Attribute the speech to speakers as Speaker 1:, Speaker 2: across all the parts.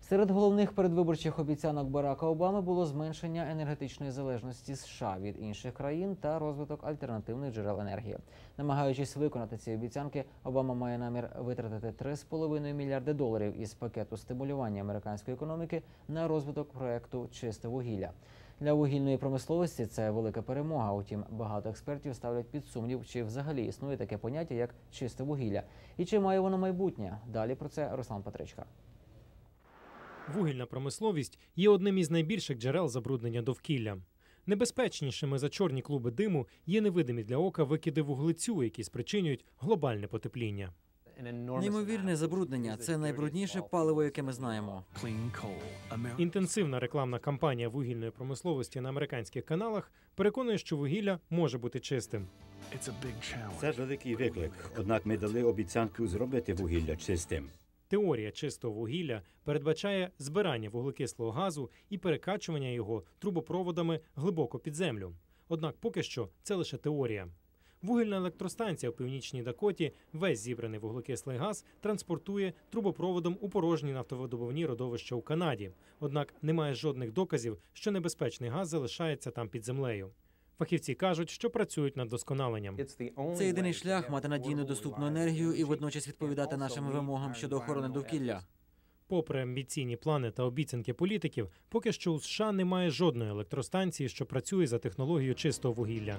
Speaker 1: Серед головних передвиборчих обіцянок Барака Обами було зменшення енергетичної залежності США від інших країн та розвиток альтернативних джерел енергії. Намагаючись виконати ці обіцянки, Обама має намір витратити $3,5 мільярди із пакету стимулювання американської економіки на розвиток проекту «Чисте вугілля». Для вугільної промисловості це велика перемога. Утім, багато експертів ставлять під сумнів, чи взагалі існує таке поняття, як чисте вугілля. І чи має воно майбутнє? Далі про це Руслан Петричка.
Speaker 2: Вугільна промисловість є одним із найбільших джерел забруднення довкілля. Небезпечнішими за чорні клуби диму є невидимі для ока викиди вуглецю, які спричинюють глобальне потепління.
Speaker 3: Неймовірне забруднення – це найбрудніше паливо, яке ми знаємо.
Speaker 2: Інтенсивна рекламна кампанія вугільної промисловості на американських каналах переконує, що вугілля може бути чистим.
Speaker 4: Це великий виклик, однак ми дали обіцянку зробити вугілля чистим.
Speaker 2: Теорія чистого вугілля передбачає збирання вуглекислого газу і перекачування його трубопроводами глибоко під землю. Однак поки що це лише теорія. Вугільна електростанція в Північній Дакоті весь зібраний вуглекислий газ транспортує трубопроводом у порожні нафтовидобувні родовища у Канаді. Однак немає жодних доказів, що небезпечний газ залишається там під землею. Фахівці кажуть, що працюють над вдосконаленням.
Speaker 3: Це єдиний шлях мати надійну доступну енергію і водночас відповідати нашим вимогам щодо охорони довкілля.
Speaker 2: Попри амбіційні плани та обіцянки політиків, поки що у США немає жодної електростанції, що працює за технологією чистого вугілля.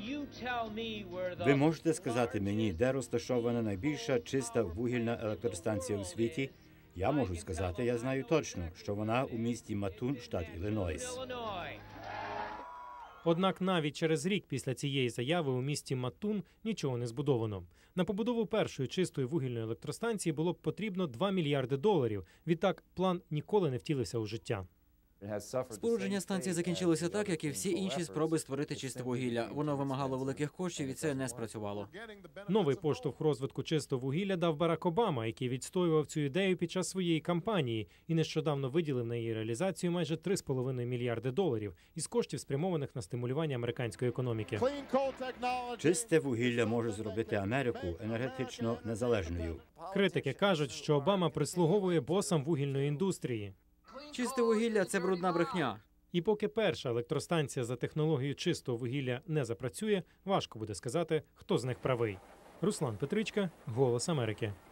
Speaker 4: Ви можете сказати мені, де розташована найбільша чиста вугільна електростанція у світі? Я можу сказати, я знаю точно, що вона у місті Матун, штат Іллінойс.
Speaker 2: Однак навіть через рік після цієї заяви у місті Матун нічого не збудовано. На побудову першої чистої вугільної електростанції було б потрібно $2 мільярди. Відтак план ніколи не втілився у життя.
Speaker 3: Спорудження станції закінчилося так, як і всі інші спроби створити чисте вугілля. Воно вимагало великих коштів, і це не спрацювало.
Speaker 2: Новий поштовх розвитку чистого вугілля дав Барак Обама, який відстоював цю ідею під час своєї кампанії і нещодавно виділив на її реалізацію майже $3,5 мільярди із коштів, спрямованих на стимулювання американської економіки.
Speaker 4: Чисте вугілля може зробити Америку енергетично незалежною.
Speaker 2: Критики кажуть, що Обама прислуговує босам вугільної індустрії.
Speaker 3: Чисте вугілля – це брудна брехня.
Speaker 2: І поки перша електростанція за технологією чистого вугілля не запрацює, важко буде сказати, хто з них правий. Руслан Петричка, «Голос Америки».